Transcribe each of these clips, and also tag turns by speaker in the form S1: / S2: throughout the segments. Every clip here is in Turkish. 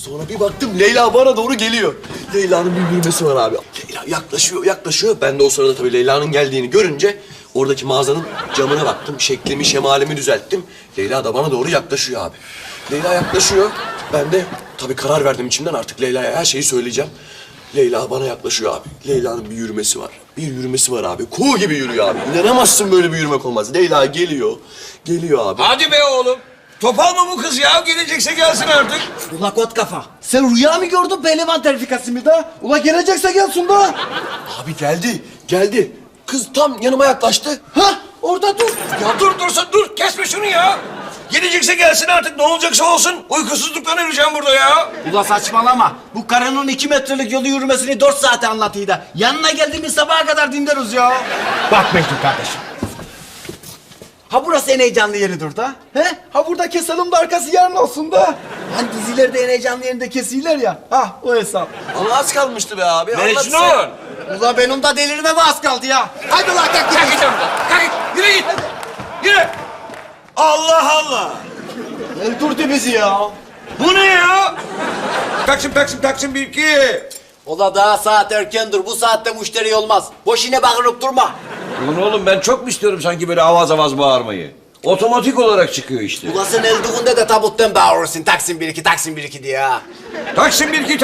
S1: Sonra bir baktım Leyla bana doğru geliyor. Leyla'nın bir yürümesi var abi. Leyla yaklaşıyor. Ben de o sırada tabii Leyla'nın geldiğini görünce oradaki mağazanın camına baktım. Şeklimi, şemalimi düzelttim. Leyla da bana doğru yaklaşıyor abi. Leyla yaklaşıyor. Ben de tabii karar verdim içimden artık Leyla'ya her şeyi söyleyeceğim. Leyla bana yaklaşıyor abi. Leyla'nın bir yürümesi var. Bir yürümesi var abi. Kuğu gibi yürüyor abi. İnanamazsın böyle bir yürümek olmaz. Leyla geliyor. Geliyor abi.
S2: Hadi be oğlum. Topal mı bu kız ya? Gelecekse gelsin artık.
S3: Ula kot kafa. Sen rüya mı gördün pehlivan terfikası mı da? Ula gelecekse gelsin da.
S1: Abi geldi. Kız tam yanıma yaklaştı.
S3: Ha orada dur.
S2: Ya dur. Kesme şunu ya. Gelecekse gelsin artık. Ne olacaksa olsun. Uykusuzluktan öleceğim burada ya.
S3: Ula saçmalama. Bu karının 2 metrelik yolu yürümesini 4 saate anlatıydı da. Yanına geldiğimiz sabaha kadar dinleriz ya. Bak Mecnun kardeşim. Ha burası en heyecanlı yeridir da. He? Ha burada keselim de arkası yarın olsun da. Hani dizilerde en heyecanlı yerinde kesiyorlar ya. Ha o hesap.
S1: Ama az kalmıştı be abi.
S2: Mecnun.
S1: Anlatsana.
S3: Ula benim de delirmeme az kaldı ya. Haydi ulan kalk
S2: Kalk
S3: git.
S2: git oradan. Kalk git. Yürü git. Yürü. Allah Allah.
S3: Öldürdü bizi ya.
S2: Bu ne ya? Taksim bir iki.
S3: Ola daha saat erkendir. Bu saatte müşteri olmaz. Boşuna bağırıp durma.
S2: Ulan oğlum ben çok mu istiyorum sanki böyle avaz bağırmayı? Otomatik olarak çıkıyor işte.
S3: Ula sen öldüğünde de tabuttan bağırırsın. Taksim 1-2 diye ha.
S2: Taksim bir iki.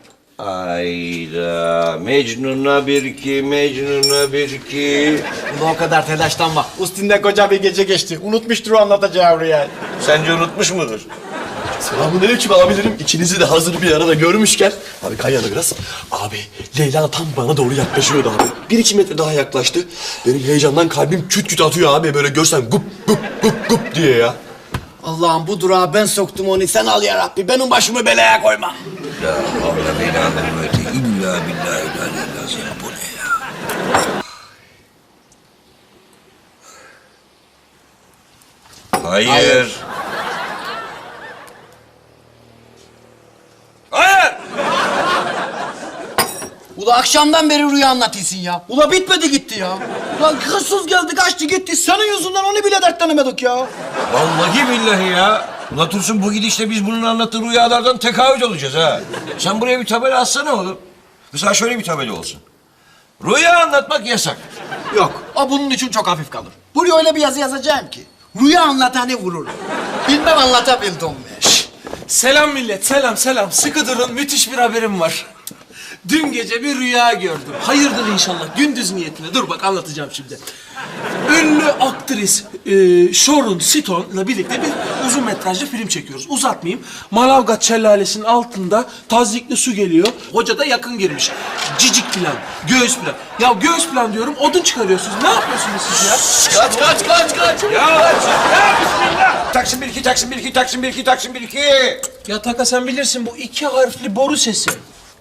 S2: Ayda Mecnun'a bir iki.
S3: Ula o kadar telaşlanma. Üstünde koca bir gece geçti. Unutmuştur o anlatacağı rüyayı.
S2: Sence unutmuş mudur?
S1: Selamünaleyküm abilerim. İkinizi de hazır bir arada görmüşken. Abi kay yana biraz. Abi Leyla tam bana doğru yaklaşıyordu abi. 1-2 metre daha yaklaştı. Benim heyecandan kalbim küt küt atıyor abi. Böyle görsen gup diye ya.
S3: Allah'ım bu durağa ben soktum onu. Sen al ya Rabbi. Benim başımı belaya koyma.
S2: La havle ve la kuvvete illa billahi lazım. Bu ne ya? Hayır.
S3: Ula akşamdan beri rüya anlatıyorsun ya. Ula bitmedi gitti ya. Ulan hırsız geldi kaçtı gitti. Senin yüzünden onu bile dertlenemedik ya.
S2: Vallahi billahi ya. Ulan Tursun bu gidişle biz bunun anlattığı rüyalardan tekavüt olacağız ha. Sen buraya bir tabela atsana oğlum. Mesela şöyle bir tabela olsun. Rüya anlatmak yasak.
S3: Yok o bunun için çok hafif kalır. Buraya öyle bir yazı yazacağım ki. Rüya anlatanı vurur. Bilmem anlatabildim mi?
S4: Selam millet, selam. Sıkı durun, müthiş bir haberim var. Dün gece bir rüya gördüm. Hayırdır inşallah, gündüz niyetine. Dur bak anlatacağım şimdi. Ünlü aktris Sharon Stone'la birlikte bir uzun metrajlı film çekiyoruz. Uzatmayayım. Manavgat şelalesinin altında tazyikli su geliyor. Hoca da yakın girmiş. Cicik plan, göğüs plan. Ya göğüs plan diyorum, odun çıkarıyorsunuz. Ne yapıyorsunuz siz ya?
S1: Kaç.
S2: Ya bismillah. Taksim bir iki.
S4: Ya Taka sen bilirsin bu 2 harfli boru sesi.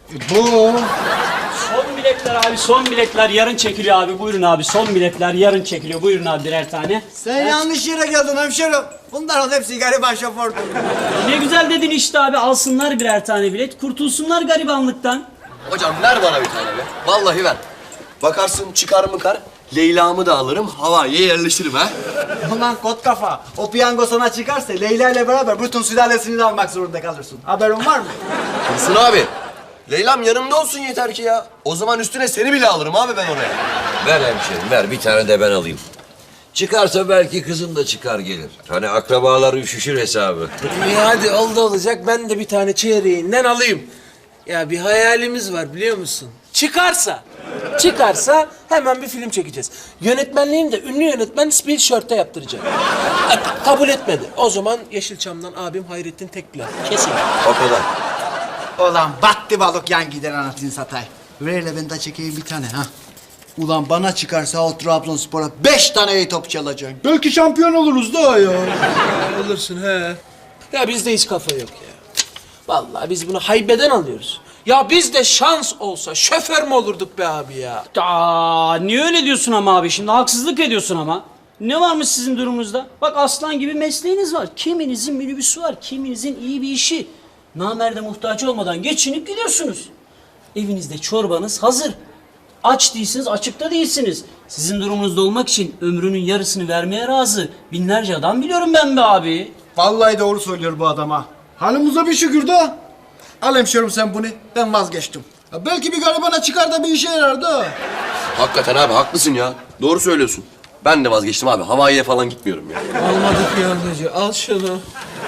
S5: Son biletler abi, son biletler yarın çekiliyor abi. Buyurun abi, son biletler yarın çekiliyor. Buyurun abi birer tane.
S3: Sen yanlış yere geldin hemşerim. Bunların hepsi gariban şofördü.
S5: Ne güzel dedin işte abi, alsınlar birer tane bilet. Kurtulsunlar garibanlıktan.
S1: Hocam ver bana bir tane be. Vallahi ver. Bakarsın çıkar mı kar. Leyla'mı da alırım. Havaiye yerleştiririm ha.
S3: Ulan kot kafa. O piyango sana çıkarsa Leyla ile beraber bütün sülalesini de almak zorunda kalırsın. Haberin var mı?
S1: Dursun abi. Leyla'm yanımda olsun yeter ki ya. O zaman üstüne seni bile alırım abi ben oraya.
S2: Ver hemşerim ver bir tane de ben alayım. Çıkarsa belki kızım da çıkar gelir. Hani akrabalar üşüşür hesabı.
S4: Hadi olacak. Ben de bir tane çeyreğinden alayım. Ya bir hayalimiz var biliyor musun? Çıkarsa hemen bir film çekeceğiz. Yönetmenliğini de ünlü yönetmen Spielberg'e yaptıracak. Kabul etmedi. O zaman Yeşilçam'dan abim Hayrettin Tekbilen. Kesin.
S1: O kadar.
S3: Ulan battı balık yan gider anasını satay. Ver hele ben de çekeyim bir tane ha. Ulan bana çıkarsa o Trabzonspor'a 5 tane iyi top çalacak. Belki şampiyon oluruz daha ya.
S4: Olursun he. Ya bizde hiç kafa yok ya. Vallahi biz bunu haybeden alıyoruz. Ya bizde şans olsa şoför mü olurduk be abi ya?
S5: Niye öyle diyorsun ama abi şimdi? Haksızlık ediyorsun ama. Ne varmış sizin durumunuzda? Bak aslan gibi mesleğiniz var. Kiminizin minibüsü var, kiminizin iyi bir işi. Namerde muhtaç olmadan geçinip gidiyorsunuz. Evinizde çorbanız hazır. Aç değilsiniz, açıkta değilsiniz. Sizin durumunuzda olmak için ömrünün yarısını vermeye razı binlerce adam biliyorum ben be abi.
S3: Vallahi doğru söylüyor bu adama. Halimize bir şükür de. Al hemşerim sen bunu. Ben vazgeçtim.
S6: Ya belki bir garibana çıkar da bir işe yarar da.
S1: Hakikaten abi haklısın ya. Doğru söylüyorsun. Ben de vazgeçtim abi. Hawaii'ye falan gitmiyorum ya.
S4: Almadık yandacı. Al şunu.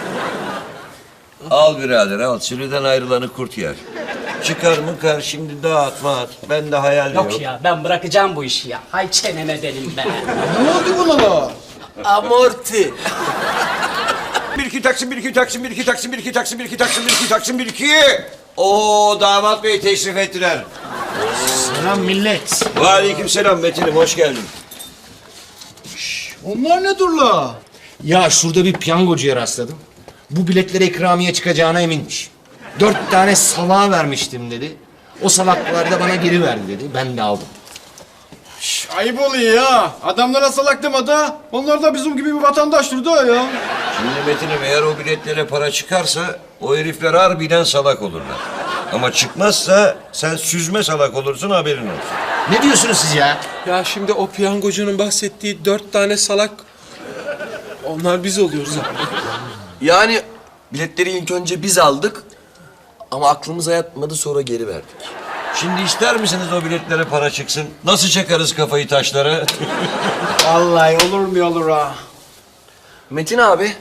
S2: Al birader al. Sürüden ayrılanı kurt yer. Çıkar mıkar şimdi dağıtma at. Ben de hayal
S5: Yok ya ben bırakacağım bu işi ya. Hay çeneme benim be.
S6: Ne oldu buna la?
S4: Amorti.
S2: Bir iki taksim, bir iki taksim, bir iki taksim, bir iki taksim, bir iki taksim, bir iki taksim, bir iki. Oo damat bey teşrif ettiler.
S3: Selam millet.
S2: Aleykümselam Metin'im hoş geldin.
S6: Onlar ne dur la?
S3: Ya şurada bir piyangocuya rastladım. Bu biletlere ikramiye çıkacağına eminmiş. 4 tane salağa vermiştim dedi. O salaklar da bana geri verdi dedi. Ben de aldım.
S6: Ayıp oluyor ya. Adamlara salak deme da. Onlar da bizim gibi bir vatandaştır da ya.
S2: Şimdi Metin'im eğer o biletlere para çıkarsa o herifler harbiden salak olurlar. Ama çıkmazsa sen süzme salak olursun haberin olsun.
S3: Ne diyorsunuz siz ya?
S4: Ya şimdi o piyangocunun bahsettiği 4 tane salak... Onlar biz oluyoruz abi.
S1: Yani biletleri ilk önce biz aldık. Ama aklımıza yatmadı sonra geri verdik.
S2: Şimdi ister misiniz o biletlere para çıksın? Nasıl çakarız kafayı taşlara?
S3: Vallahi olur mu olur ha?
S1: Metin abi.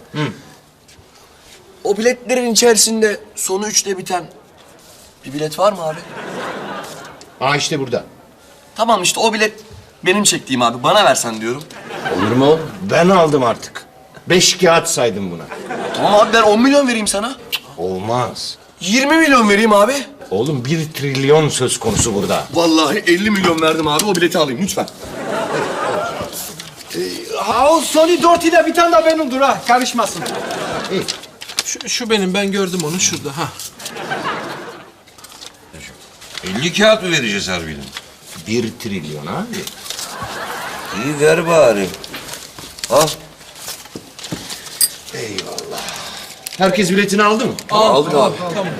S1: O biletlerin içerisinde sonu 3'te biten bir bilet var mı abi?
S3: Aa işte burada.
S1: Tamam işte o bilet benim çektiğim abi. Bana versen diyorum.
S3: Olur mu oğlum? Ben aldım artık. 5 kağıt saydım buna.
S1: Tamam abi ben 10 milyon vereyim sana.
S3: Olmaz.
S1: 20 milyon vereyim abi.
S3: Oğlum 1 trilyon söz konusu burada.
S1: Vallahi 50 milyon verdim abi. O bileti alayım lütfen.
S6: Ha o Sony 4 ile bir tane de benimdir ha. Karışmasın.
S4: Şu benim, ben gördüm onu şurada. Ha.
S2: 50 kağıt mı vereceğiz harbiden?
S3: 1 trilyon abi.
S2: İyi ver bari. Al.
S3: Herkes biletini aldı mı?
S1: Aldık abi.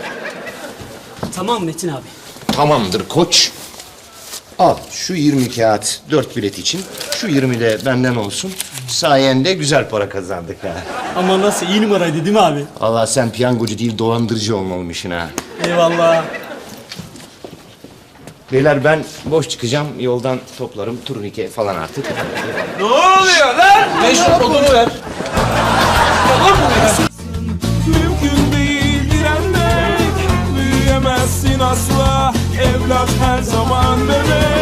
S5: Tamam Metin abi.
S3: Tamamdır koç. Al şu 20 kağıt 4 bilet için. Şu 20 de benden olsun. Sayende güzel para kazandık ha.
S5: Ama nasıl iyi numaraydı değil mi abi?
S3: Allah sen piyangocu değil dolandırıcı olmalıymışsın ha.
S5: Eyvallah.
S3: Beyler ben boş çıkacağım. Yoldan toplarım turnike falan artık.
S2: Ne oluyor lan?
S4: Mecnun odunu ver.
S7: Mümkün değil direnmek, büyüyemezsin asla. Evlat her zaman bebek.